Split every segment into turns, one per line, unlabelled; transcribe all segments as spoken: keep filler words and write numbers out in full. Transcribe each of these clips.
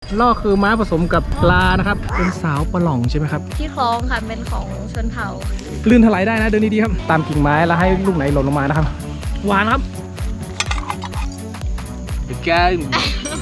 ล่อคือม้าผสมกับปลานะครับเป็นสาวปลาหล่องใช่ไหมครับ
ที่คล้องค่ะเป็นของชนเผ่า
ลื่นถลายได้นะเดินดีๆครับตามกิ่งไม้แล้วให้ลูกไหนหล่นลงมานะครับหวานครับเป็นแก้ม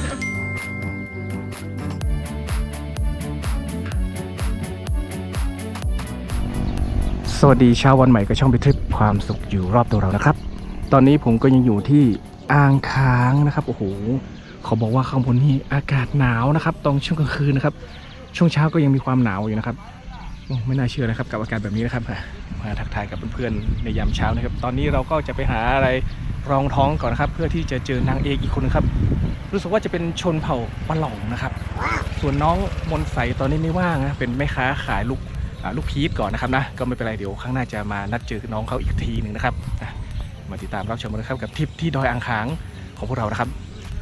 สวัสดีเช้าวันใหม่กับช่องไปทริปความสุขอยู่รอบตัวเรานะครับตอนนี้ผมก็ยังอยู่ที่อ่างค้างนะครับโอ้โหเขาบอกว่าข้างบนนี่อากาศหนาวนะครับตอนช่วงกลางคืนนะครับช่วงเช้าก็ยังมีความหนาวอยู่นะครับไม่น่าเชื่อนะครับกับอากาศแบบนี้นะครับมาทักทายกับเพื่อนๆในยามเช้านะครับตอนนี้เราก็จะไปหาอะไรรองท้องก่อนนะครับเพื่อที่จะเจอนางเอกอีกคนนึงครับรู้สึกว่าจะเป็นชนเผ่าปะหล่องนะครับส่วนน้องมนใสตอนนี้ไม่ว่างนะเป็นแม่ค้าขายลูกลูกพีชก่อนนะครับนะก็ไม่เป็นไรเดี๋ยวข้างหน้าจะมานัดเจอน้องเขาอีกทีหนึ่งนะครับมาติดตามรับชมกันนะครับกับทริปที่ดอยอ่างขางของพวกเรานะครับ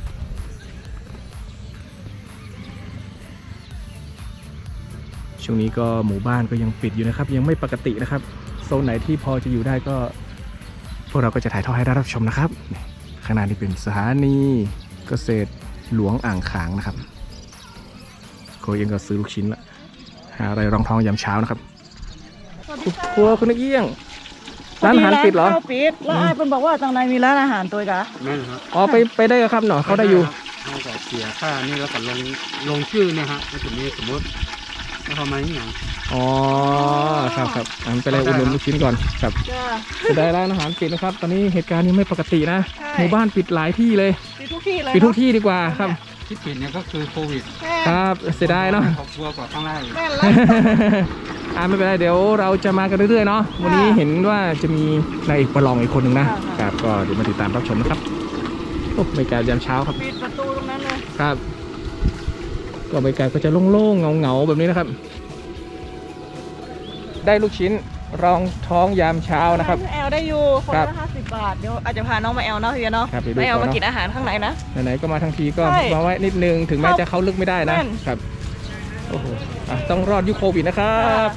ช่วงนี้ก็หมู่บ้านก็ยังปิดอยู่นะครับยังไม่ปกตินะครับโซนไหนที่พอจะอยู่ได้ก็พวกเราก็จะถ่ายทอดให้ได้รับชมนะครับข้างหน้านี่เป็นสถานีเกษตรหลวงอ่างขางนะครับโคเองก็ซื้อลูกชิ้นละหาอะไรรองท้องยามเช้านะครับครัวคุณนักเอี้ยงร้านอาหารปิดเหรอ
ปิดแล้วไอ้เพิ่นบอกว่าจังไรมีร้านอาหารตัวกะ
นั่นครับ
อ๋อไปไปได้ครับเนาะเขาได้อยู่
เขาก็เสียค่านี่แล้วก็ลงลงชื่อเนี่ยฮะแล้วถึงนี้สมมติแล้วเขามาอย่าง
อ๋อครับครับอันไปเลยอุดหนุนลูกชิ้นก่อนครับจะได้ร้านอาหารปิดนะครับตอนนี้เหตุการณ์นี้ไม่ปกตินะหมู่บ้านปิดหลายที่เลย
ปิดทุกที่เลย
ปิดทุกที่ดีกว่าครับ
ที่ปิดเนี่ยก็คือโควิด
ครับเสียดายเนาะ
ครอบครัวกว่าข้างล่าง
อ่าไม่เป็นไรเดี๋ยวเราจะมากันเรื่อยๆเนาะวันนี้เห็นว่าจะมีนายเอกประลองอีกคนหนึ่งนะครับก็เดี๋ยวมาติดตามรับชมนะครับโอ้บรรยากาศยามเช้าครับ
ปิดประตูตรงนั้นเลย
ครับก็บรรยากาศก็จะโล่งๆเงาๆแบบนี้นะครับได้ลูกชิ้นรองท้องยามเช้านะครับ
แอลได้อยู่คนละห้าสิบบาทเดี๋ยวอาจจะพาน้องมาแอลเนาะพี่เนาะมาแอลมากินอาหารข้างในนะ
ไหนๆก็มาทั้งทีก็มาไว้นิดนึงถึงแม้จะเข้าลึกไม่ได้นะครับโอ้โหต้องรอดยุคโควิดนะครับ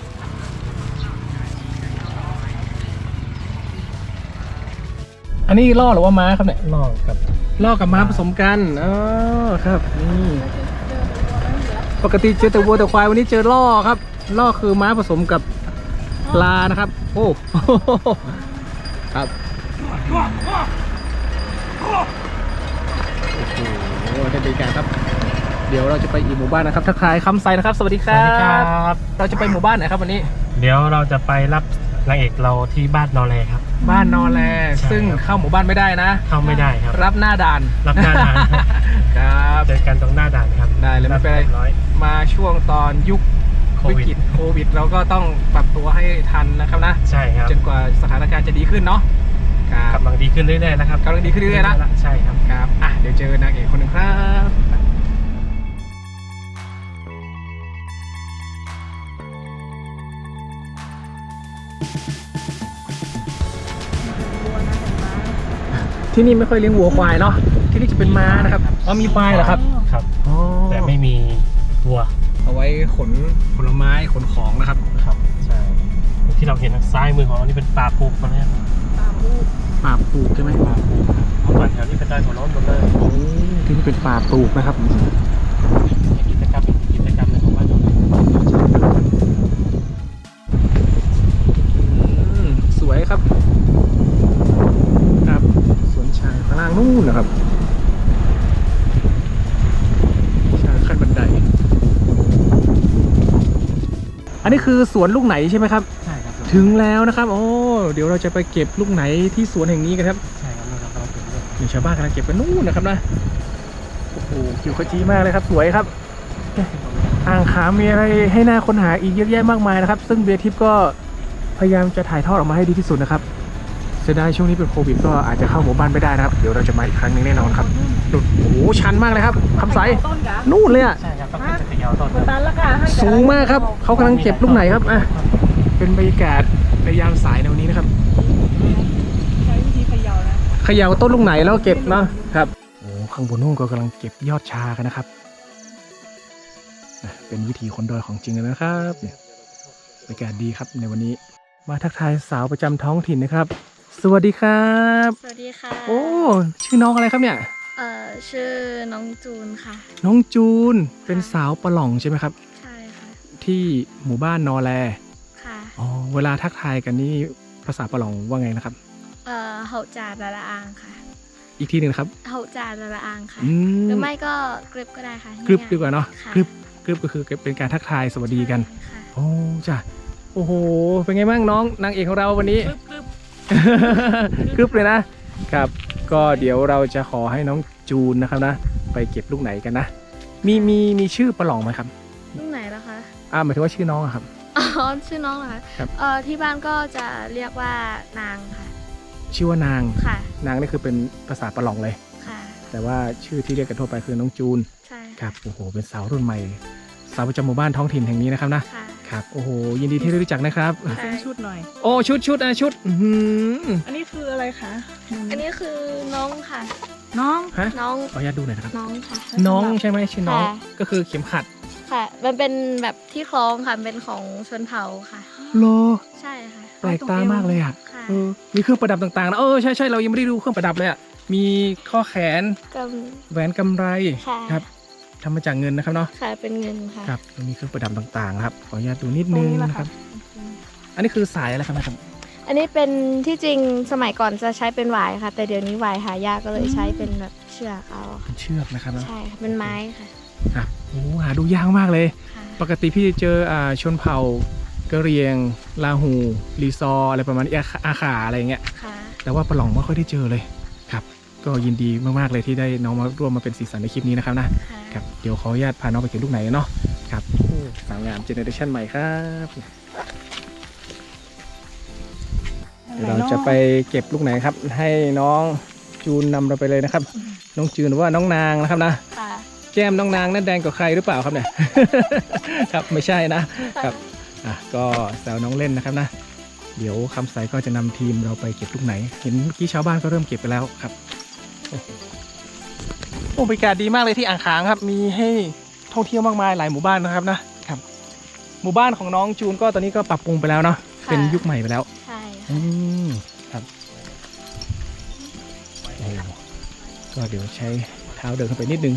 อันนี้ล่อหรือว่าม้าครับเนี่ย
ล่อกับ
ล่อกับม้าผสมกันอ๋อครับนี่ปกติเจอแต่วัวแต่ควายวันนี้เจอล่อครับล่อคือม้าผสมกับปลานะครับโอ้ครับโอ้โหท่านดีการครับเดี๋ยวเราจะไปอีกหมู่บ้านนะครับทักทายคำไซนะครับสวัสดีครับเราจะไปหมู่บ้านไหนครับวันนี้
เดี๋ยวเราจะไปรับนางเอกเราที่บ้านนอแลครับ
บ้านนอแลซึ่งเข้าหมู่บ้านไม่ได้นะ
เข้าไม่ได้ครับ
รับหน้าด่าน
รับหน้าด่าน
ครับ
เจอกันตรงหน้าด่านครับ
ได้เลยไม่เป็นไรมาช่วงตอนยุควิกฤตโควิดเราก็ต้องปรับตัวให้ทันนะครับนะ
ใช่ครับ
จนกว่าสถานการณ์จะดีขึ้นเนาะ
กำลังดีขึ้นเรื่อยๆนะครับ
กำลังดีขึ้นเรื่อยๆนะ
ใช่ครับ
ครับอ่ะเดี๋ยวเจอนางเอกคนหนึ่งครับที่นี่ไม่ค่อยเลี้ยงวัวควายเนาะที่นี่จะเป็นม้านะครับอ๋อมีควายเหรอครับ
ครับแต่ไม่มีวัว
เอาไว้ขนผลไม้ขนของนะครับ
ครับใช่ที่เราเห็นทางซ้ายมือของเรานี่เป็นป่าปลูกนะ
ป่าปลูกป่าปลูกใช่ไหม
ป่าปลูกครับเมื่อก่อนแถวนี้เป็นได้ของน้องหมดเลย
โอ้ที่นี่เป็นป่าปลูกนะครับ
กิจกรรมกิจกรรมในของบ้านเรา
สวยครับครับสวนชายข้างล่างนู่นนะครับชายขั้นบันไดอันนี้คือสวนลูกไหนใช่ไหมครับ
ใช่ครับ
ถึงแล้วนะครับโอ้เดี๋ยวเราจะไปเก็บลูกไหนที่สวนแห่งนี้กันครับ
ใช่ครับเรากำลังเก็บด้วย
มีชาวบ้านกำลังเก็บกันนู่นนะครับนะโอ้โหเขียวขจีมากเลยครับสวยครับอ่างขางมีอะไรให้น่าค้นหาอีกเยอะแยะมากมายนะครับซึ่งเบียร์ทิพย์ก็พยายามจะถ่ายทอดออกมาให้ดีที่สุดนะครับเสียดายช่วงนี้เป็นโควิดก็อาจจะเข้าหมู่บ้านไม่ได้นะครับเดี๋ยวเราจะมาอีกครั้งนึงแน่นอนครับโอ้โหชันมากเลยครับคำใสนู่นเลยอ่ะ
ใช่ครับต้องเป็นเขย่าต้น
สูงมากครับเขากำลังเก็บลูกไหนครับอ่ะเป็นบรรยากาศในยามสายในวันนี้นะครับ
ใช้วิธีเขย่านะ
เขย่าต้นลูกไหนแล้วเก็บเนาะครับโอ้ข้างบนนู่นก็กำลังเก็บยอดชากันนะครับเป็นวิธีคนดอยของจริงเลยนะครับเนี่ยบรรยากาศดีครับในวันนี้มาทักทายสาวประจำท้องถิ่นนะครับสวัสดีครับ
สวัสดีค่ะ
โอ้ชื่อน้องอะไรครับเนี่ย
เอ่อชื่อน้องจูนค่ะ
น้องจูนเป็นสาวปะหล่องใช่ไหมครับ
ใช่ค่ะ
ที่หมู่บ้านนอแล
ค่ะ
อ๋อเวลาทักทายกันนี่ภาษาปะหล่องว่าไงนะครับ
เอ่อเฮาจาดาละอางค่ะ
อีกทีหนึ่งนะครับ
เฮาจาดาละอางค่ะ
อื
หรือ
ม
ไม่ก็กริบก็ได้ค่ะ
กรึบดีกว่าเนาะ
ค่ะ
กรึบกรึบก็คือเป็นการทักทายสวัสดีกัน
ค่ะ
โอ้จ้ะโอ้โหเป็นไงบ้างน้องนางเอกของเราวันนี้
กรึบ
กรึบเลยนะครับ ก็เดี๋ยวเราจะขอให้น้องจูนนะครับนะไปเก็บลูกไหนกันนะ มีมีมีชื่อปะหล่องไหมครับ
ลูกไหนล่ะคะ
อ่าหมายถึงว่าชื่อน้องอะครับ
อ๋อชื่อน้องเหรอคะ
ครับ
เอ่อที่บ้านก็จะเรียกว่านางค่ะ
ชื่อว่านาง
ค่ะ
นางนี่คือเป็นภาษาปะหล่องเลย
ค่ะ
แต่ว่าชื่อที่เรียกกันทั่วไปคือน้องจูน
ใช่
ครับโอ้โหเป็นสาวรุ่นใหม่ สาวประจำหมู่บ้านท้องถิ่นแห่งนี้นะครับนะ
ค่ะ
ครับโอ้โหยินดีที่ได้รู้จักนะครับ
เส้นชุดหน่อย
โอ้ชุดชุดอ่ะชุดอื้อหือ
อันนี้คืออะไรคะ
อันนี้คือน้องค่ะ
น้อง
ฮะ
น้อง
ขออนุญาตดูหน่อยนะครับ
น้องค่ะ
น้องใช่ไหมชื่อน้อง
ค่ะ
ก็คือเข็มขัด
ค่ะ มันเป็นแบบที่คล้องค่ะ เป็นของชนเผ่าค่ะ
โล
ใช่ค่ะ
แปลกตามากเลยอ่ะ
ค่ะ
เออมีเครื่องประดับต่างๆนะเออใช่ใช่เรายังไม่ได้ดูเครื่องประดับเลยอ่ะมีข้อแขน
ก็
แหวนกำไร
ค่ะ
ครับทำมาจากเงินนะครับเนาะ
ค่ะ เป็นเงินค่ะ
ครับมีเครื่องประดับต่างๆนะครับขออนุญาตดูนิดนึงนะครับ อันนี้คือสายอะไรครับนะครับ
อันนี้เป็นที่จริงสมัยก่อนจะใช้เป็นหวายค่ะ แต่เดี๋ยวนี้หวายหายากก็เลยใช้เป็นแบบเชือกเอาค่ะ
เป็นเชือกนะครับเนาะ
ใช่ค่ะเป็นไม้ค่ะ
ครับโอ้หาดูยากมากเลย
ค่ะ
ปกติพี่เจออ่าชนเผ่ากะเหรี่ยงลาหูรีซอร์อะไรประมาณนี้อาอาขาอะไรอย่างเงี้ย
ค่ะ
แต่ว่าปะหล่องไม่ค่อยได้เจอเลยครับก็ยินดีมากๆเลยที่ได้น้องมาร่วมมาเป็นสีสันในคลิปนี้นะครับนะ
ค่ะ
ครับเดี๋ยวขออนุญาตพาน้องไปเก็บลูกไหนเนาะครับโอ้สาวงามเจเนอเรชันใหม่ครับเดี๋ยวเราจะไปเก็บลูกไหนครับ ให้น้องจูนนำเราไปเลยนะครับ น้องจูนหรือว่าน้องนางนะครับนะ
ค่ะ
แก้มน้องนางนั่นแดงกว่าใครหรือเปล่าครับเนี่ย ครับไม่ใช่นะครับอ่ะก็แซวน้องเล่นนะครับนะ เดี๋ยวคำใสก็จะนำทีมเราไปเก็บลูกไหน เห็นเมื่อกี้ชาวบ้านก็เริ่มเก็บไปแล้วครับโอ้โหโอ้บรรยากาศดีมากเลยที่อ่างขางครับ มีให้ท่องเที่ยวมากมายหลายหมู่บ้านนะครับนะครับ หมู่บ้านของน้องจูนก็ตอนนี้ก็ปรับปรุงไปแล้วเนาะเป็นยุคใหม่ไปแล้ว
ใช่
อืมครับโอ้โหก็เดี๋ยวใช้เท้าเดินเข้าไปนิดนึง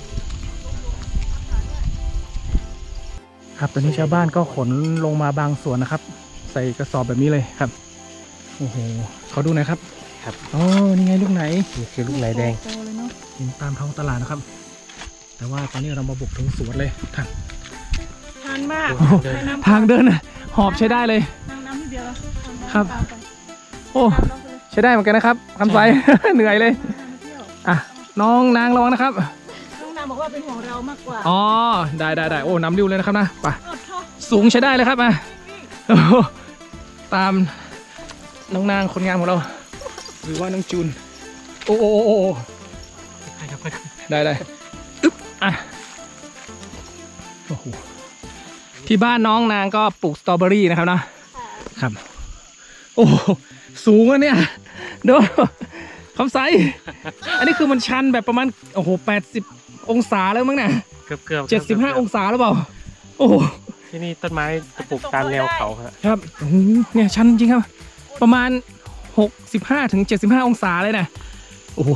ครับตอนนี้ชาวบ้านก็ขนลงมาบางส่วนนะครับ ใส่กระสอบแบบนี้เลยครับโอ้โหขอดูหน่อยครับครับอ๋อนี่ไงลูกไหนนี่คือลูกไหนแดง
โตเลยเนาะ
เห็นตามท้องตลาดนะครับ แต่ว่าตอนนี้เรามาบุกถึงสวนเลยครับ
ทานมาก
โอ้โห
ให้น้ำ
ทางเดินน่ะหอบใช้ได้เลย
น้ำน้ำนิดเดียวแล้วทำน้ำ
ครับ
ตามไป
โอ้
ตามน้องไปเลย
ใช้ได้เหมือนกันนะครับคำใส เหนื่อยเลย
ทานมาเที่ยว
อ่ะน้องนางระวังนะครับ
น้องนางบอกว่าเป็นห่วงเรามากกว่า
อ๋อได้ได้ได้โอ้น้ำริ้วเลยนะครับนะไป
โอ้โห
สูงใช้ได้เลยครับมาโอ้โหตามน้องนางคนงามของเรา หรือว่าน้องจูน โอ้โอ้โอ้โอ้
ใครครับใครครับ
ได้ได้อึ๊บอ่ะโอ้โหที่บ้านน้องนางก็ปลูกสตรอเบอรี่นะครับนะครับ โอ้โหสูงอะเนี่ยดูคำใสอันนี้คือมันชันแบบประมาณโอ้โหแปดสิบองศาแล้วมั้งเนี่ย
เกือบเกือบ
เจ็ดสิบห้าองศาหรือเปล่าโอ้โห
ที่นี่ต้นไม้จะปลูกตามแนวเขาครับ
ครับโอ้โหเนี่ยชันจริงครับ ประมาณหกสิบห้าถึงเจ็ดสิบห้าองศาเลยนะโอ้โห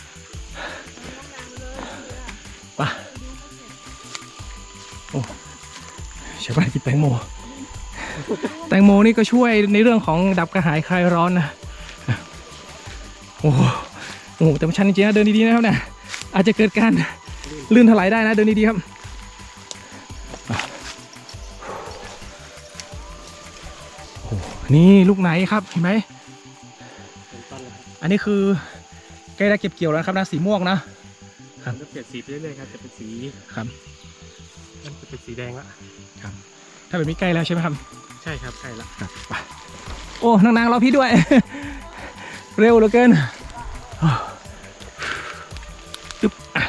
ไปโอ้ชาวบ้านกินแตงโม แตงโมนี่ก็ช่วยในเรื่องของดับกระหายคลายร้อนนะโอ้โหโอ้โหแต่มันชันจริงๆนะเดินดีๆนะครับเนี่ยอาจจะเกิดการลื่นถลายได้นะเดินดีๆครับโอ้โหนี่ลูกไหนครับเห็นไหม
เป็นต้นเลยครับ
อันนี้คือใกล้ได้เก็บเกี่ยวแล้วนะครับนะสีม่วงนะ ครับ
จะเปลี่ยนสีไปเรื่อยๆครับจะเป็นสี
ครับ
มันจะเป็นสีแดงละ
ครับถ้าแบบนี้ใกล้แล้วใช่ไหมครับ
ใช่ครับใช่ละ
ครับไปโอ้นางๆรอพี่ด้วย เร็วเหลือเกินตึ๊บอ่ะ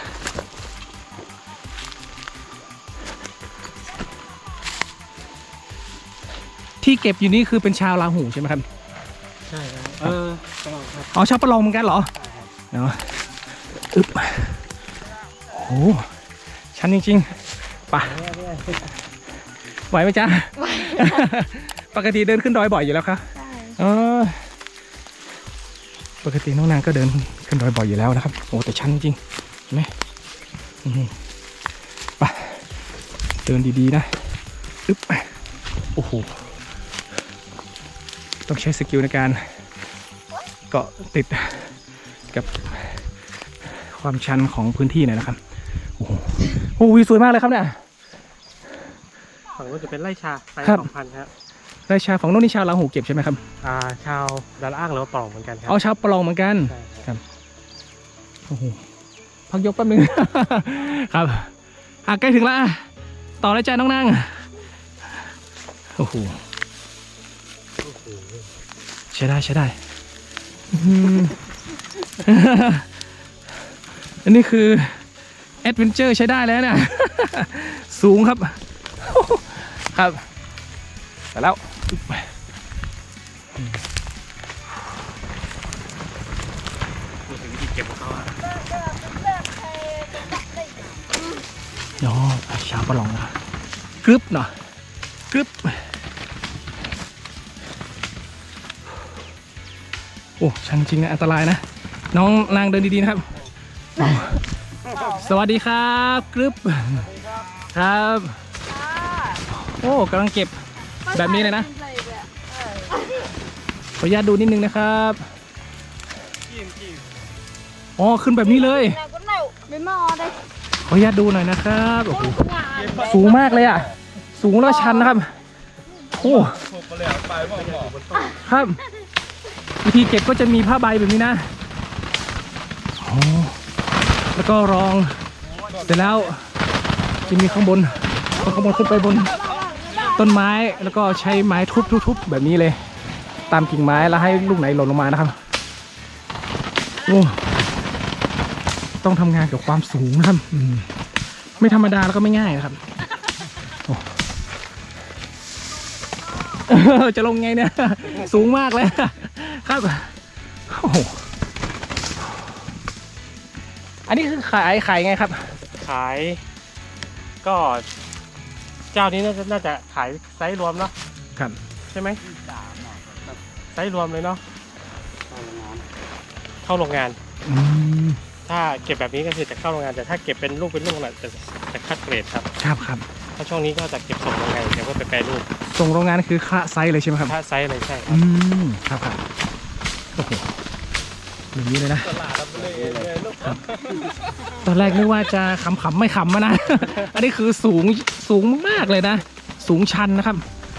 ที่เก็บอยู่นี่คือเป็นชาวลาหูใช่ไหมครับ
ใช่ครับเออต้องครับ
อ๋อชาวประลองเหมือนกันเหรอเนาะอึ๊บโอ้ชันจริงๆไป่ะไหวไหมจ๊ะ ปกติเดินขึ้นดอยบ่อยอยู่แล้วครับ
ใช่
เออปกติน้องนางก็เดินขึ้นดอยบ่อยอยู่แล้วนะครับโอ้แต่ชันจริงนี่ไปเดินดีๆนะอึ๊บโอ้โหต้องใช้สกิลในการเกาะติดกับความชันของพื้นที่หน่อยนะครับโอ้โหโอ้วิวสวยมากเลยครับเนี่ย
ฝั่งนู้นจะเป็นไร่ชาไร่
ครับ
สองพันครับ
ไร่ชาฝั่งโน้นนี่ชาวลาหูเก็บใช่ไหมครับ
อ่าชาวดาราอ้างหรือว่าปล่องเหมือนกันครั
เอาชาวปลองเหมือนกัน
ใช่
ครับโอ้โหพักยกแป๊บนึง ครับอ่ะใกล้ถึงแล้วอ่ะต่อเลยจ้าน้องนางโอ้โหใช้ได้ใช้ได้อื้อหือ อันนี้คือแอดเวนเจอร์ใช้ได้แล้วเนี่ย สูงครับ ครับไปแล้วอ๋อชาวประลองนะกรึบเนาะกรึบโอ้ชันจริงนะอันตรายนะน้องนางเดินดีๆนะครับอ๋อสวัสดีครับกรึบครับโอ้กำลังเก็บแบบนี้เลยนะขออนุญาตดูนิดนึงนะครับอ๋อขึ้นแบบนี้เลยขออนุญาตดูหน่อยนะครับโอ้โหสูงมากเลยอ่ะสูงแล้วชันนะครับโอ้ครับวิธีเก็บก็จะมีผ้าใบแบบนี้นะโอ้แล้วก็รองเสร็จแล้วจะมีข้างบนข้างบนขึ้นไปบนต้นไม้แล้วก็ใช้ไม้ทุบๆๆแบบนี้เลยตามกิ่งไม้แล้วให้ลูกไหนหล่นลงมานะครับโอ้ต้องทำงานกับความสูงนะครับไม่ธรรมดาแล้วก็ไม่ง่ายนะครับจะลงไงเนี่ยสูงมากเลยครับโอ้โหอันนี้คือขายขายไงครับ
ขายก็เจ้านี้น่าจะน่าจะขายไซส์รวมเนาะ
ครับ
ใช่ไหมไซส์รวมเลยเนาะเข้าโรงงาน
อืม
ถ้าเก็บแบบนี้ก็คือจะเข้าโรงงานแต่ถ้าเก็บเป็นลูกเป็นลูกน่ะจะจะคัดเกรดครับ
ครับครับ
ถ้าช่วงนี้ก็จะเก็บส่งโรงงานเดี๋ยวก็ไปแปรรูป
ส่งโรงงานคือค่าไซส์เลยใช่ไหมครับ
ถ้าไซส์อะไรใช่ครับ
อืมครับครับโอ้โหอย่างนี้เลยนะ ครับตอนแรกนึกว่าจะขำๆไม่ขำมานะ อันนี้คือสูงสูงมากเลยนะ สูงชันนะครับ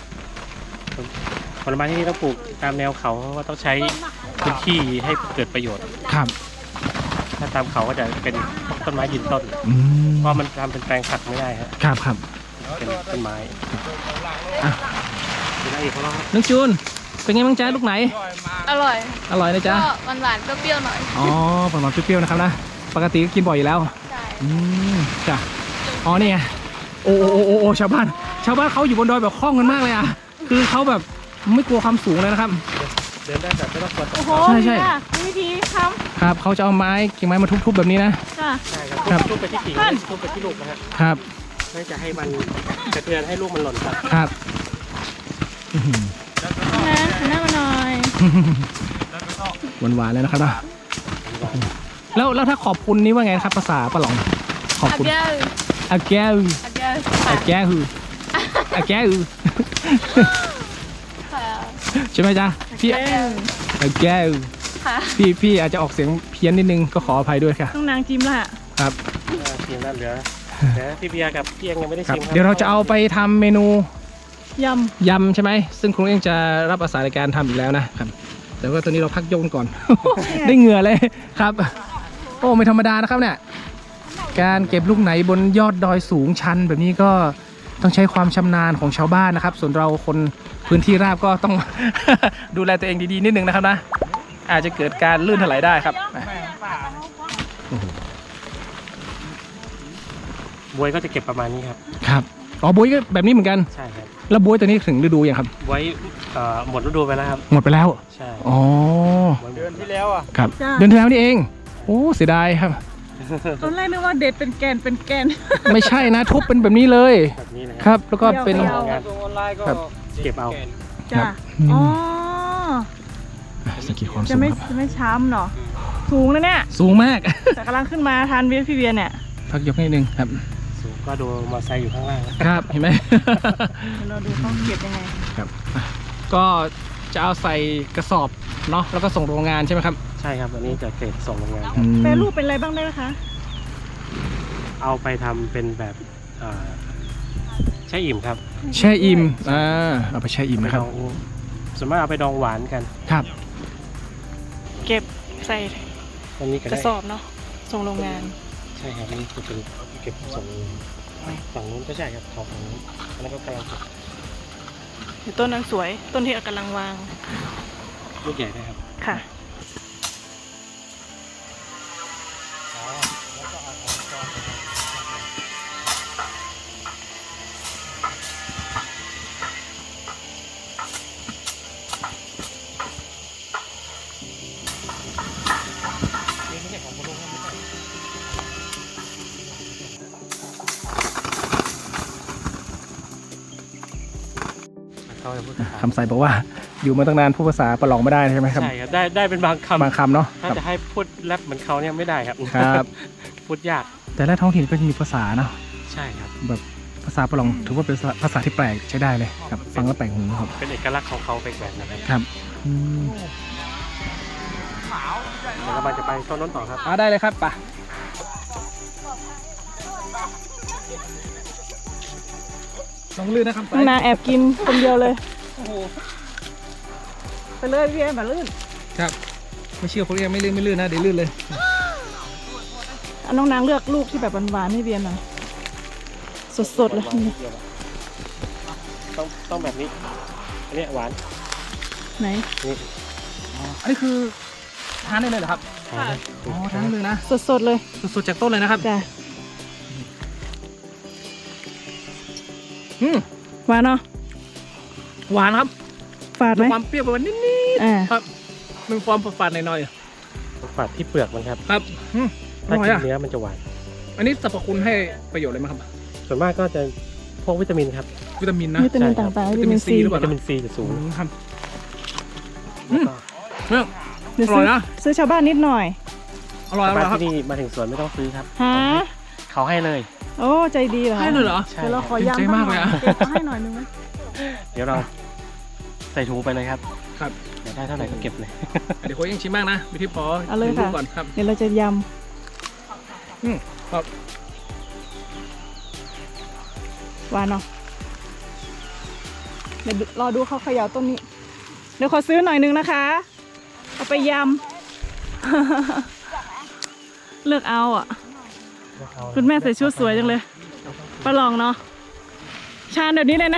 ผลไม้ที่นี่ต้องปลูกตามแนวเขาเพราะว่าต้องใช้พื้นที่ให้เกิดประโยชน์
ครับ
ถ้าตามเขาก็จะเป็นต้นไม้ยืนต้น
อืม
เพราะมันทำเป็นแปลงผักไม่ได้ครับ
ครับครับ
เป็นต้นไม้
อ่ะ
เป็นอะไรอีกของเราครับ
น้องจูนเป็นไงบ้างจ๊ะลูกไหน
อร่อย
อร่อยนะจ๊ะ
ก็หวานๆก็เปรี้ยวหน่อย
อ๋อหวานๆเปรี้ยวๆนะครับนะปกติก็กินบ่อยอยู่แล้ว
ใช่
อืมจ้ะอ๋อนี่ไงโอ้โอ้โอ้โอ้โอ้ชาวบ้าน ชาวบ้านเขาอยู่บนดอยแบบคล่องกันมากเลยอ่ะคือเขาแบบไม่กลัวความสูงเลยนะครับ
เดินได้แบบไม่ต้องกลัวตก
โอ้โห
ใช่ใช่
นี่ค่ะมีวิธีท
ครับเขาจะเอาไม้กิ่งไม้มาทุบๆแบบนี้นะ
ำค่ะ
ใช่ค
ครั
รับ บทุบไปที่กิ่งทุบไปที่ลูกนะฮะ
ครับ
ไม่จะให้มันกระเทือนให้ลูกมันหล่นครับ
ครับอื้อหือ
นะหันหน้ามาหน่อย
หวานๆเลยนะครับเนาะแล้วแล้วถ้าขอบคุณนี่ว่าไงครับภาษาปะหลองขอบ
อา
คุณ
เกล
อาแก้ว
อาเกล
อาแก้วอาแก้ว
ค่ะ
ใช่ไหมจ๊ะพี่
อาเกล
อาแก้ว
ค่ะ
พี่พี่อาจจะออกเสียงเพี้ยนนิดนึงก็ขออภัยด้วยค่ะ
ต้องนางจิ้มละ
ครับ
ทีมนั้นเหลือแต่พี่เบียร์กับพี่เองยังไม่ได้
ครับ
ชิมครับ
เดี๋ยวเราจะเอาไปทำเมนู
ย
ยำใช่ไหมซึ่งครูเองจะรับอาสาในการทำอีกแล้วนะครับแต่ว่าตอนนี้เราพักโยนก่อน ได้เหงื่อเลยครับ โอ้ไม่ธรรมดานะครับเนี่ยการเก็บลูกไหนบนยอดดอยสูงชันแบบนี้ก็ต้องใช้ความชำนาญของชาวบ้านนะครับ ส่วนเราคนพื้นที่ราบก็ต้อง ดูแลตัวเองดีๆนิดนึงนะครับนะอาจจะเกิดการลื่นถลายได้ครับ
บวยก็จะเก็บประมาณนี้ครับ
ครับอ๋อบวยก็แบบนี้เหมือนกัน
ใช่ครับ
แล้วบวยตัวนี้ถึงฤดูยังครับ
ไว้เอ่อหมดฤดูไปแล้วครับ
หมดไปแล้ว
ใช่
อ๋อ
เดือนที่แล้วอ่ะ
ครับเดือนที่แล้วนี่เองโอ้เสียดายครับ
ตอนแรกนึกว่าเด็ดเป็นแกนเป็นแกน
ไม่ใช่นะทุบเป็นแบบนี้เลย
แบบนี้นะ
ครับ แล้วก็เป็น
เดียว
งาน
ครับ
เก็บเอา
ครั
จ้ะ
บอืม
อ๋อ
สกิดความสู
จะ
ง
ไม่
ครับ
จะไม่ช้ำเนาะสูงนะเนี่ย
สูงมาก
แต่กำลังขึ้นมาทานเวียพี่เวียเนี่ย
พักยกนิดนึงครับ
สูงก็ดูมอเตอร์ไซค์อยู่ข้างล่างนะครับ
เห็นไหม
เราดูเขาเก็บยังไง
ครับอ่ะก็จะเอาใส่กระสอบเนาะแล้วก็ส่งโรงงานใช่ไหมครับ
ใช่ครับอันนี้จะเกรดส่งโรงงานครับ
อืม
แปรรูปเป็นอะไรบ้างได้ไหมคะ
เอาไปทำเป็นแบบเอ่อใช่อิ่มครับ
แช่อิ่มอ่าเอาไปแช่อิ่ม
ไป
นะค
ด
รับ
องส่วนมากเอาไปดองหวานกัน
ครับ
เก็บใส่
ตอนนี้ก็
ก
ได้
ระสอบเนาะส่งโรงงาน
ใช่ครับนี่จะเป็นเก็บส่งโรงงานฝั่งนู้นก็ใช่ครับของฝั่งนู้นอันนั้นก็กำลังเก็บ
เดี๋ยวต้นนั้นสวย ต้นที่กำลังวาง
ลูกใหญ่ได้ครับ
ค่ะ
เขาจะพูด
คำใส่บอกว่าอยู่มาตั้งนานพูดภาษาประหลองไม่ได้ใช่ไหมครับ
ใช่ครับได้ได้เป็นบางคำ
บางคำเนาะ
ถ้า
ครับ
จะให้พูดแรปเหมือนเขาเนี่ยไม่ได้ครับ
ครับ
พูดยาก
แต่ละท้องถิ่นก็จะมีภาษาเนาะ
ใช่ครับ
แบบภาษาประหลองถือว่าเป็นภาษาที่แปลกใช้ได้เลยครับฟังแล้วแปลกหูครับ
เป็นเอกลักษณ์ของเขาไปแบบนั้นนะครับ
ครับอืม
เดี๋ยวเราจะไปต้นน้นต่อครับ
อ่าได้เลยครับไปลองลื่นนะครับ
น้องนาแอบกินคนเดียวเลย ไปเลยพี่แอมแบบลื่น
ครับไม่เชื่อเขาเรียกไม่ลื่นไม่ลื่นนะเดี๋ยวลื่นเลย
เอาน้องนางเลือกลูกที่แบบหวานๆให้เบียร์หน่อย สดๆเลย
ต้องต้องแบบนี้ อันนี้หวาน
ไหน
นี่
อันนี้คือทานได้เลยเหรอครับ
หวาน
อ๋อทานได้เลยนะ
สดๆเลย
สดๆจากต้นเลยนะครับ
จ้ะ
อืม
หวานเนาะ
หวานครับ
ฝาดไหม
มีความเปรี้ยวประมาณนิด
อ่า
ๆครับมีความฝาดๆหน่อย
ฝาดที่เปลือกมันครับ
ๆครับอืมอ
ถ้า
ร่อย
กิน
อ่ะ
เนื้อมันจะหวาน
อันนี้สรรพคุณให้ประโยชน์อะไรไหมครับ
ส่วนมากก็จะพวกวิตามินครับ
วิตามินนะ
วิตามิน
ใช่ครับ
ต่างๆวิตามินซี
หรือเป
วิ
ล่า
ตามินซีจะสูง
อืมครับ
แล้วก็
เนี่ย
เดี๋ยว
อร่
ซื้
อ
อย
นะ
ซื้อชาวบ้านนิดหน่อย
อร่อยอร่
มา
อยครับ
ที่นี่มาถึงสวนไม่ต้องซื้อครับ
หา
เขาให้เลย
โอ้ใจดีเหรอ
ให้เลยเหรอ
ใช่
เดี๋ยวเราขอ
เต็ม
ย้ำ
ใจมากเลยอะ
เก็บมาให้หน่อยนึงไหม
เดี๋ยวเราใส่ถุงไปเลยครับ
ครับ
เดี๋ยวได้เท่าไหร่ก็เก็บเลย
เดี๋ยวโค้ชยังชิมบ้างนะวิธีพอ
เอาเลย
ดู
ค่ะ
ก่อนครับ
เดี๋ยวเราจะย
อืมครับ
ำหวานเนาะเดี๋ยวรอดูเขาเขย่าต้นนี้ เดี๋ยวขอซื้อหน่อยนึงนะคะ เอาไปยำ เลือกเอาอ่ะ คุณแม่ใส่ชุดสวยจังเลยประลองเนาะชาญแบบนี้เลยนะ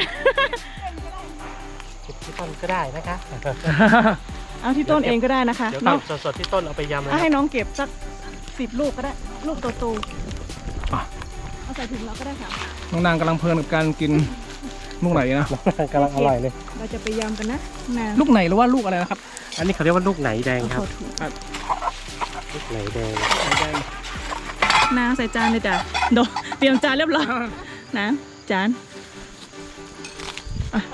ที่ต้นก็ได้นะคะ
เอาที่ต้นเองก็ได้นะคะ
เดี๋ยว
น้อง
สดๆที่ต้นเอาไปยำเลย
เอา
ค
ให้
รับ
น้องเก็บสักสิบลูกก็ได้ ลูกโต
อ่ะ
ๆเอาใส่ถุงเราก็ได้ค่ะ
น้องนางกำลังเพลินกับการกินลูกไหนนะ
กำลังอร่อยเลย
เราจะไปยำกันนะนาน
ลูกไหนหรือว่าลูกอะไรนะครับ
อันนี้เขาเรียกว่าลูกไหนแดงครับ
ขอถูก
ลูกไหนแดง
น้ำใส่จานเลยจ้ะโดเตรียมจานเรียบร้อยน้ำจานอ่ะ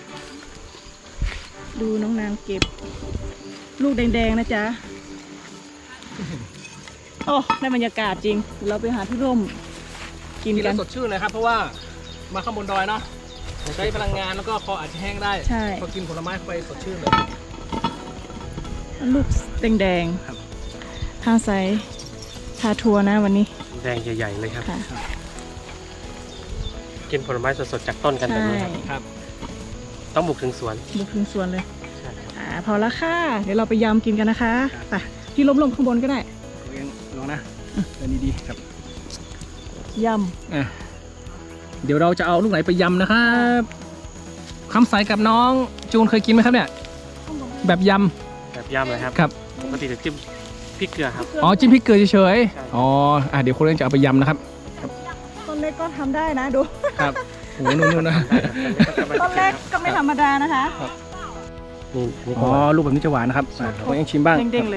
ดูน้องนางเก็บ ลูกแดงๆนะจ๊ะ โอ้ได้บรรยากาศจริงเดี๋ยวเราไปหาที่ร่มกิน
กิน
กั
แล้
น
วสดชื่นเลยครับ เพราะว่ามาข้างบนดอยเนาะใช้พลังงานแล้วก็คออาจจะแห้งได้
ใช่
พอกินผลไม้เข้าไปสดชื่นเลย
ลูกแดง
ครับ
ๆทางใส่ทาทัวร์นะวันนี้
แดงใหญ่ๆเลยครับ
ค่ะ
กินผลไม้สดๆจากต้นกันแบบ
ใช่
นี้ครับ
ครับ
ต้องบุกถึงสวน
บุกถึงสวนเลย
ใช่ครับ
อ่าพอละค่ะ เดี๋ยวเราไปยำกินกันนะคะไปที่ล้มๆข้างบนก็ได้
เองลองนะเดินดีๆครับ
ย
อ่ะเดี๋ยวเราจะเอาลูกไหนไปยำนะครับคำใสกับน้องจูนเคยกินไหมครับเนี่ย แบบย
แบบยำเลยครับ
ำครับ
ปกติจะจิ้มพริกเกลือครับ
ำ
อ๋อจิ้มพริกเกลือเฉย
ใช่
ๆอ๋ออ่ะเดี๋ยวคนเล่นจะเอาไปยำนะครับ
ต้นเล็กก็ทำได้นะดู
ครับโอ้โหนู่นๆนะ
ต้นเล็กก็ไม่ธรรมดานะคะ
นี่อันนี้
อ๋อลูกแบบนี้จะหวานนะครับอ่ะคนเองชิมบ้าง
เด้งๆเลย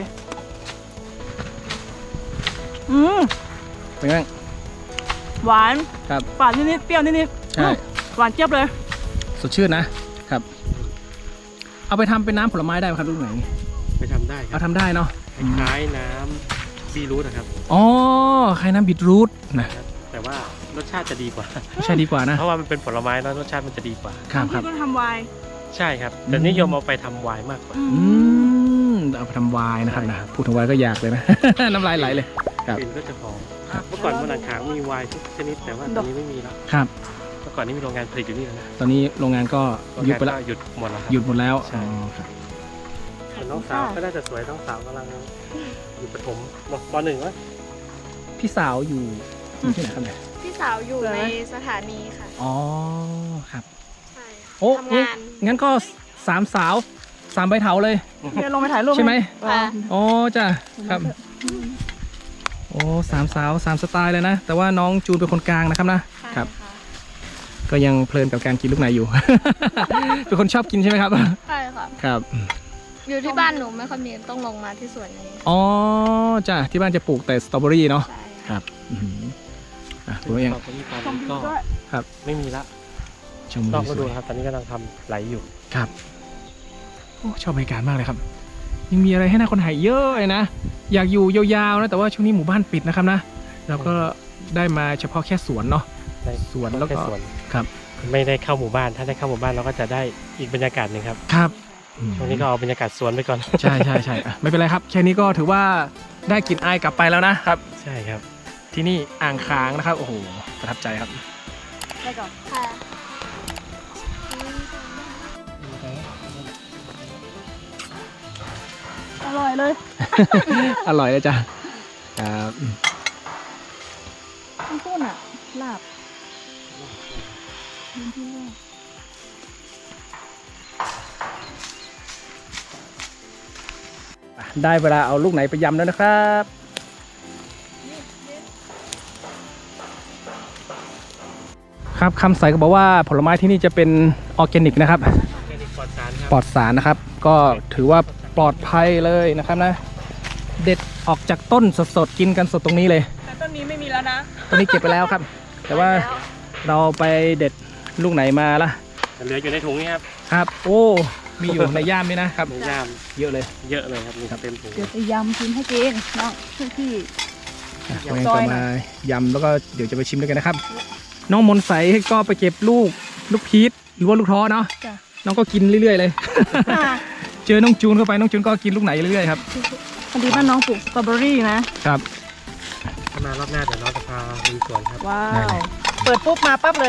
อืม
เป็นไงบ้าง
หวาน
ครับ
หวานนิดๆเปรี้ยวนิด
ใช่
ๆหวานเจี๊ยบเลย
สดชื่นนะครับ เอาไปทำเป็นน้ำผลไม้ได้ไหมครับลูกไหน
ไปทำได้ครั
เอา
บ
ทำได้เนาะ
คล้ายๆน้ำบีรูทนะครับ
อ๋อคล้ายน้ำบีทรูทนะ
ครับว่ารสชาติจะดีกว่า
ใช่ดีกว่านะ
เพราะว่ามันเป็นผลไม้แล้วรสชาติมันจะดีกว่า
ครับครับ
ที่ก็ทำไวน์
ใช่ครับแต่นิยมเอาไปทำไวน์มากกว่า
อืมเอาไปทำไวน์นะครับนะพูดถึงไวน์ก็อยากเลยนะ น้ำลายไหลเลย ครับ
กลิ่นก็จะหอมเมื่อก่อนบนอ่างขางมีไวน์ทุกชนิดแต่ว่าตอนนี้ไม่มีแล้ว
ครับ
เมื่อก่อนนี้มีโรงงานผลิตอยู่นี่แล้วนะ
ตอนนี้โรงงานก็
โรง
หยุด
งาน
ไปแล้ว
ก็หยุดหมดแล้วครับ
หยุดหมดแล้ว
ใช่
อ๋อครับ
ส่วนน้องสาวก็น่าจะสวยน้องสาวกำลังอยู่ประถมปหนึ่งวะ
พี่สาวอยู่อยู่ที่ไหนครับเนี่ย
พี่สาวอยู่ในสถานีค่ะ
อ๋อครับ
ใช่
โอ้
ทำงาน
งั้นก็สามสาวสามใบเถาเลย
เดี๋ยวลงไปถ่ายรูป
ใช่ไหม
ค่ะ
อ๋อจ้ะครับโอ้สามสาวสามสไตล์เลยนะ แต่ว่าน้องจูนเป็นคนกลางนะครับนะ
ใช่
ครับ
ค่ะ
ก็ยังเพลินกับการกินลูกไหนอยู่ เป็นคนชอบกินใช่ไหมครับ
ใช่ค่ะ
ครับ
อยู่ที่บ้านหนูไม่ค่อยมีต้องลงมาที่สวนนี้
อ๋อจ้ะที่บ้านจะปลูกแต่สตรอเบอรี่เนาะ
ใช่
ค
ค่ะ
รับอื้อหืออ่ะผมเอง
ตอนนี้ตอนนี้ก็
ครับ
ไม่มีละ
ชม
นอก
วิ
ฤ
วส
ดู
วย
ครับตอนนี้กำลังทำไหลอยู่
ครับโอ้ชอบบรรยากาศมากเลยครับ ยังมีอะไรให้น่าค้นหาเยอะเลยนะ อยากอยู่ยาวๆนะแต่ว่าช่วงนี้หมู่บ้านปิดนะครับนะเราก็ได้มาเฉพาะแค่สวนเนาะ
ใน
สวนแล้วก็
ค่สวน
ครับ
ไม่ได้เข้าหมู่บ้านถ้าได้เข้าหมู่บ้านเราก็จะได้อีกบรรยากาศหนึ่งครับ
ครับอืม
ช่วงนี้ก็เอาบรรยากาศสวนไปก่อน
ใช่ใช่ใช่อ่ะไม่เป็นไรครับแค่นี้ก็ถือว่าได้กลิ่นอายกลับไปแล้วนะครับ
ใช่ครับ
ที่นี่อ่างค้างนะครับโอ้โหประทับใจครับ
ได้ก่อน
ค่ะ
อร่อยเลย
อร่อยเลยจ้ะครับ
ต้องพูดอ่ะลาบ
ได้เวลาเอาลูกไหนไปยำแล้วนะครับ ครับคำใสก็บอกว่าผลไม้ที่นี่จะเป็นออร์แกนิกนะครับ
แค่นี้ปลอดสารครับ
ปลอดสารนะครับ ก็ถือว่าปลอดภัยเลยนะครับนะ เด็ดออกจากต้นสดๆกินกันสดตรงนี้เลย
แต่ต้นนี้ไม่มีแล้วนะ
ต้นนี้เก็บไปแล้วครับ แต่ว่าเราไปเด็ดลูกไหนมาล่ะ
เหลืออยู่ในถุงนี่ครับ
ครับ โอ้มีอยู่ในย่ามนี่นะครับ
ในย่าม
เยอะเลย
เยอะเลยครับมีเต็มถุง
เดี๋ยวจะยำกินให้กินน้องพี่
อ่ะ
ยำ
ตัวเอง
ซอย
จะ
หน่
มา
อย
ยำแล้วก็เดี๋ยวจะไปชิมด้วยกันนะครับ น้องมนต์ใสก็ไปเก็บลูกลูกพีชหรือว่าลูกท้อเนาะ
จ้ะ
น้องก็กินเรื่อยๆเลย เจอน้องจูนเข้าไปน้องจูนก็กินลูกไหนเรื่อยๆครับ
พอดีบ้านน้องปลูกสตรอเบอรี่นะ
ครับ
ถ้ามารอบหน้าเดี๋ยวเราจะพาลุยสวนครับ
ว้า
ได้
ว
เลย
เปิดปุ๊บมาปั๊บเลย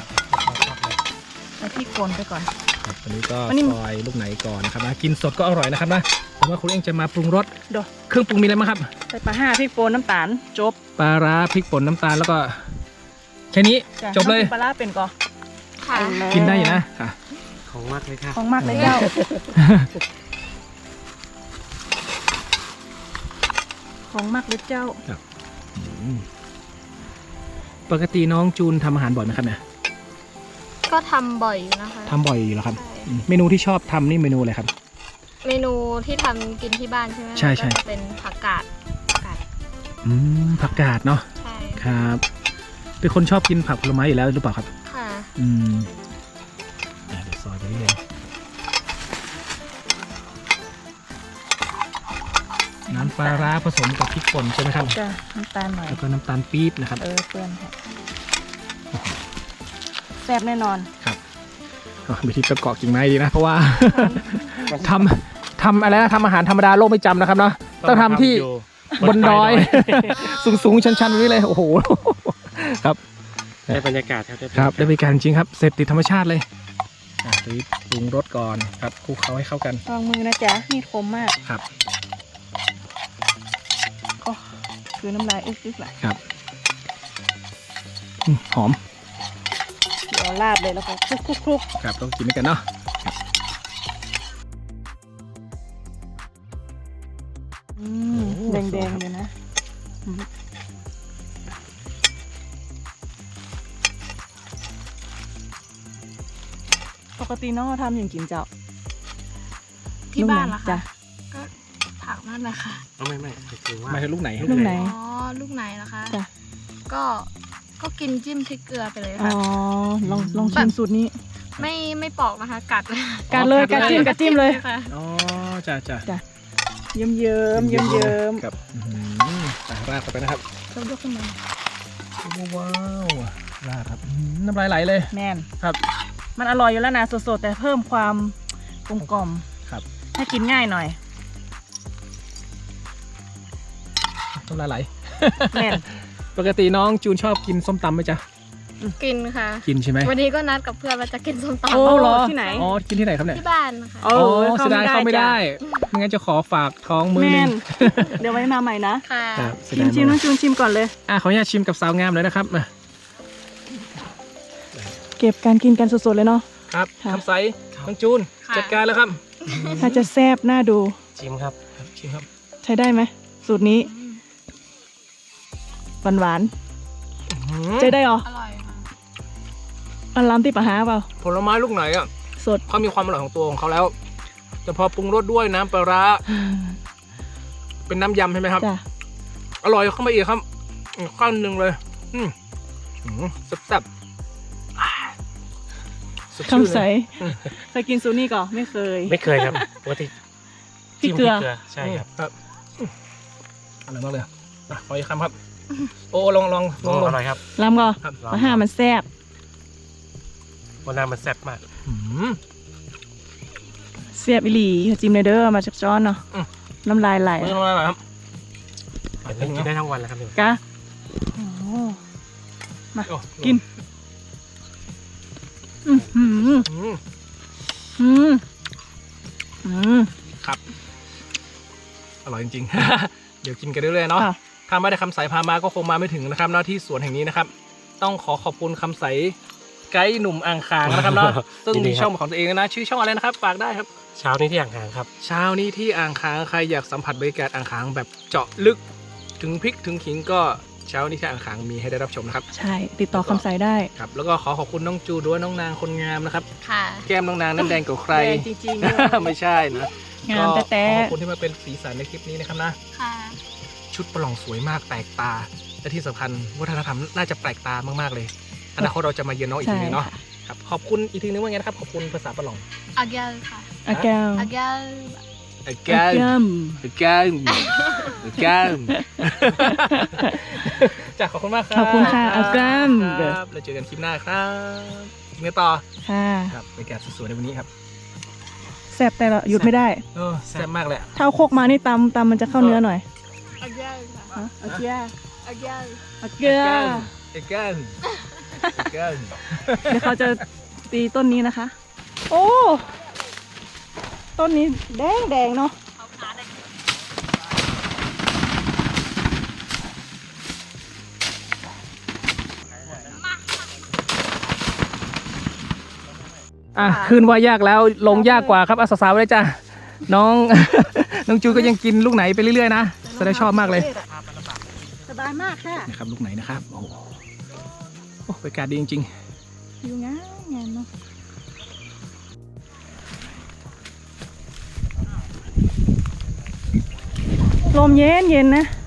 เอาที่โคนไปก่อน
ครับวันนี้ก็
วันนี้
ซอยลูกไหนก่อนนะครับนะกินสดก็อร่อยนะครับนะผมว่าคุณเองจะมาปรุงรส
ดู
เครื่องปรุงมีอะไรบ้างครับ
ใส่ปลาห้าพริกป่นน้ำตาลจบ
ปลาร้าพริกป่นน้ำตาลแล้วก็แค่นี้
จ้ะ
จบเลย
น้องกินปลาร้าเป็นก่อน
ค่ะ
กินได้อยู่นะค่ะ
ของมากเลยค่ะ
ของมากเลยเจ้า ของมากเลยเจ้า
อืมปกติน้องจูนทำอาหารบ่อยไหมครับเนี่ย
ก็ทำบ่อยอยู่นะคะ
ทำบ่อยอยู่แล้วครับ
ใช่
อืมเมนูที่ชอบทำนี่เมนูอะไรครับ
เมนูที่ทำกินที่บ้านใช่ไหม
ใช่ใช่
ก็จะเป็นผักกาดผักกาด
อืมผักกาดเนาะ
ใช่
ครับเป็นคนชอบกินผักผลไม้อยู่แล้วหรือเปล่าครับ
ค่ะ
อืมอ่ะเดี๋ยวซอยไปเรื่อยน้ำปลาร้าผสมกับพริกป่นใช่ไหมครับ
จ้ะน้ำตาลหน่อย
แล้วก็น้ำตาลปี๊บนะครับ
เออเปื้อนค่ะแซ่บแน่นอน
อ๋อไปที่ตะเกาะกิ่งไม้ดีนะ เพราะว่า ทำทำอะไรนะทำอาหารธรรมดาโลกไม่จำนะครับเนาะต้องทำที่
ยู่
บนดอย สูงสูงๆชันๆแบบนี้เลยโอ้โห ครับ
ได้บรรยากาศครับ
ครับได้บริการจริงครับเสพติดธรรมชาติเลยอ่ะรีบปรุงรสก่อนครับคลุกเคล้าให้เข้ากัน
ลองมือนะจ๊ะมีดคมมาก
ครับ
โอ้คือน้ำลายอึกๆแหละ
ครับอืมหอม
เดี๋ยวราดเลยแล้วก็คลุกคลุกคลุก
ครับต้องกินด้วยกันเนาะ
อืมแดงๆเลยนะอืมปกติน้องทำอย่างกินเจ้า
ที่บ้านเหรอ
จ้ะ
คะก็ผักนั่นแหละค่ะ
เอาไม่ไม่คือว่า
ไม่ใช่ลูกไหน
ลูกไหน
อ๋อลูกไหนล่ะคะ
จ้ะ
ก็ก็กินจิ้มพริกเกลือไปเลย
อ๋อ
ค่ะ
ลองลองชิมสูตรนี้
ไม่ไม่ปอกนะคะ กัดเลย
กัดเลยกัดจิ้มกัดจิ้มเลย
ค่ะ
อ๋อจ้าจ้า
จ้ะ เยิ้มเยิ้มเยิ้มเยิ้ม
กับอื้อหืออ่ะราดเข้าไปนะครับ
เรายกขึ้นมา
ว้าวลาดครับอืมน้ำลายไหลเลย
แมน
ครับ
มันอร่อยอยู่แล้วนะสดๆแต่เพิ่มความกลมกล่อม
ครับ
ให้กินง่ายหน่อย
น้ำลายไหล
แมน
ปกติน้องจูนชอบกินส้มตำไหมจ๊ะ
กินค่ะ
กินใช่ไหม
วันนี้ก็นัดกับเพื่อนว่าจะกินส้มตำ
โอ้
เหรอ
ที่ไหน
อ๋อกินที่ไหนครับเนี่ย
ที่บ้านค่ะ
เอ
อ๋อ
อ
เสียดายเข้าไม่ได้
จ้ะ
ไม่งั้นจะขอฝากท้องมือ
แม
หนึ
น
ง
เดี๋ยวไว้มาใหม่นะ
ค่ะ
ครับเสีย
ชิ
ดาม ย
ชิม
มา
น้อก งจูนชิมก่อนเลย
อ่ะขออนุญาตชิมกับสาวงามเลยนะครับมา
เก็บการกินกันสดๆเลยเนาะ
ครับ
ค่ะ
คำใสน้องจูน
ค่ะ
จัดการแล้วครับ
ถ้าจะแซ่บน่าดู
ชิมครับ
ครับชิมครับ
ใช้ได้ไหมสูตรนี้หวานหวานๆใช้ได้เหรอ
อร่อยค่ะ
อันล้ำที่ปะหาเปล่า
ผลไม้ลูกไหนอ่ะ
สด
เขามีความอร่อยของตัวของเขาแล้ว แต่พอปรุงรสด้วยน้ำปลาร้าเป็นน้ำยำใช่ไหมครับ
จ้ะ
อร่อยเข้ามาอีกครับอีกขั้นหนึ่งเลย อืมอืมแซ่บๆอ่าสดชื่น
คำใส
เลย
เคยกินซูนี่ก่อนไม่เคย
ไม่เคยครับปกติ
พริก
จิ้ม
เกลือ
ใช่ครับ
ครับอืมอร่อยมากเลยอ่ะขออีกคำครับ โอ้ลองลองล
โอ้
องลอง
อร่อยครับ
ล้ำก่อน
ครับ
ปะหามันแซ่บ
วันน้ำมันแซ่บมาก
อืม
แซ่บอีหลีจิ้มเลยเด้อมาจากจ้อนเนาะ
อืม
น้ำลายไหล
ไม่ต้องอะไรครับ
เดี๋ยวกินได้ทั้งวันแล้วครับเนี่ย
กะโอ้มา
โอ้
กินอืมอืม
อืม
อืมอืม
อร่อยจริงๆ เดี๋ยวกินกันเรื่อยๆเนาะ
ค่ะ
ถ้าไม่ได้คำใสพามาก็คงมาไม่ถึงนะครับเนาะที่สวนแห่งนี้นะครับ ต้องขอขอบคุณคำใสไกด์หนุ่มอ่างขางนะครับเนาะ ซึ่งมีช่องของตัวเองนะ ชื่อช่องอะไรนะครับ ฝากได้ครับ
เช้านี้ที่อ่างขางครับ
เช้านี้ที่อ่างขางใครอยากสัมผัสบรรยากาศอ่างขางแบบเจาะลึกถึงพริกถึงขิงก็เช้านี้ที่อ่างขางมีให้ได้รับชมนะครับ
ใช่ ติดต่อคำใสได้
ครับแล้วก็ขอขอบคุณน้องจูด้วยน้องนางคนงามนะครับ
ค่ะ
แก้มน้องนางนั้นแดงกว่าใคร
แดงจริงๆเลย
ไม่ใช่นะ
งาม
ก็
แต่
ขอ
แต่
ขอบคุณที่มาเป็นสีสันในคลิปนี้นะครับนะ
ค่ะ
ชุดประหลองสวยมากแปลกตา และที่สำคัญวัฒนธรรมน่าจะแปลกตามากๆเลยอนาคตเราจะมาเยือนน้องอีก
ใช่
ทีนึงเนาะ
ค่ะ
ครับขอบคุณอีกทีนึงว่าไงนะครับขอบคุณภาษาประหลอง
อาแกลค่ะ
อาแก้ว
อาแกล
again
ย่
again again จ้ะขอบคุณมากครับ
ขอบคุณค่ะ again
ครับแล้วเจอกันคลิปหน้าครับกินกันต่อ
ำค่ะ
ครับบรรยากาศสวยๆในวันนี้ครับ
แซ่บแต่ละหยุดไม่ได้
เออแซ่บมากเลยอะ
ถ้าเอาโคกมานี่ตำตำมันจะเข้าเนื้อหน่อย
อาแกลค่ะ
อาเกีย
อาแกล
อาเกีย
again again
เดี๋ยวเขาจะตีต้นนี้นะคะ โอ้ ต้นนี้แดงแดงๆเนาะ
อ่ะขึ้นว่ายากแล้วลงยากกว่าครับอาสาวๆเลยจ้ะน้อง น้องจูก็ยังกินลูกไหนไปเรื่อยๆนะแสดงชอบมากเลย
สบายมากค่ะ
นะครับลูกไหนนะครับโอ้โหโอ้บรรยากาศดีจริง
อยู่ง่ายงานเนาะลมเย็นเย็นนะ